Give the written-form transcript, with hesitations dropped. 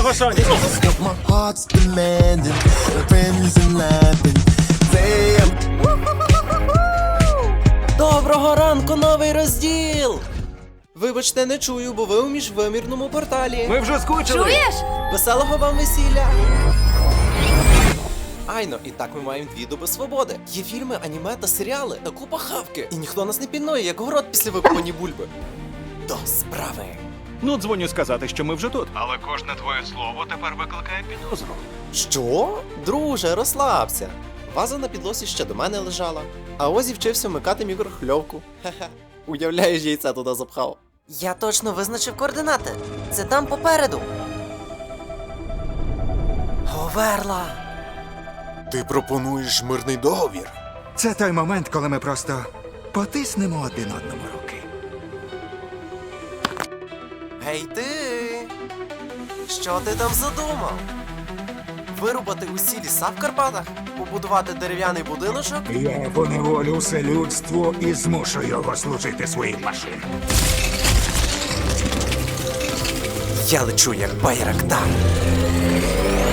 фасоні. My heart's demanding, my friends and laughing. Say I'm Доброго ранку, новий розділ! Вибачте, не чую, бо ви у міжвимірному порталі. Ми вже скучили. Чуєш? Веселого вам весілля! Айно, і так ми маємо 2 доби свободи. Є фільми, аніме та серіали, та купа хавки. І ніхто нас не пільнує, як город після викопані бульби. До справи. Ну, дзвоню сказати, що ми вже тут. Але кожне твоє слово тепер викликає підозру. Що? Друже, розслабся. Ваза на підлосі ще до мене лежала. А Озі вчився вмикати мікрохвильовку. Хе-хе. Уявляєш, яйця туди запхав. Я точно визначив координати. Це там попереду. Говерла. Ти пропонуєш мирний договір? Це той момент, коли ми просто потиснемо один одному руки. Гей ти! Що ти там задумав? Вирубати усі ліса в Карпатах? Побудувати дерев'яний будиночок? Я поневолю все людство і змушу його служити своїм машинам. Я лечу як Байрактар.